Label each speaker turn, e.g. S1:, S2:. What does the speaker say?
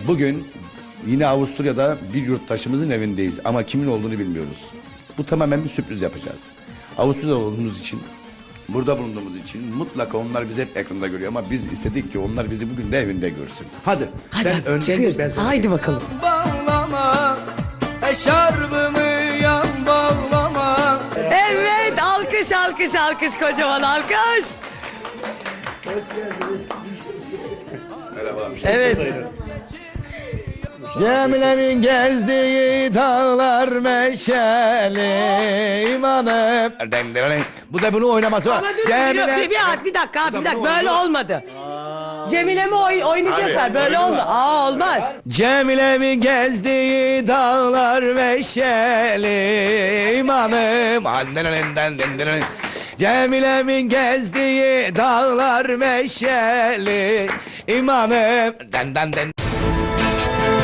S1: Bugün yine Avusturya'da bir yurttaşımızın evindeyiz ama kimin olduğunu bilmiyoruz. Bu tamamen bir sürpriz yapacağız. Avusturya'da olduğumuz için, burada bulunduğumuz için mutlaka onlar bizi hep ekranda görüyor ama biz istedik ki onlar bizi bugün de evinde görsün. Hadi.
S2: Hadi
S1: önden
S2: çıkıyoruz.
S1: git, ben sana
S2: Haydi bakalım.
S3: Bağlama, eşarbımı yan bağlama.
S2: Evet, alkış alkış alkış, kocaman alkış. Evet.
S1: Cemile'nin gezdiği dağlar meşeli imanım. Bu da bunu oynaması var.
S2: Ama dur, bir dakika böyle olmadı. Cemile mi oynayacaklar? Böyle olmaz. Olmaz.
S1: Cemile'min gezdiği dağlar meşeli imanım. Cemile'min gezdiği dağlar meşeli imanım.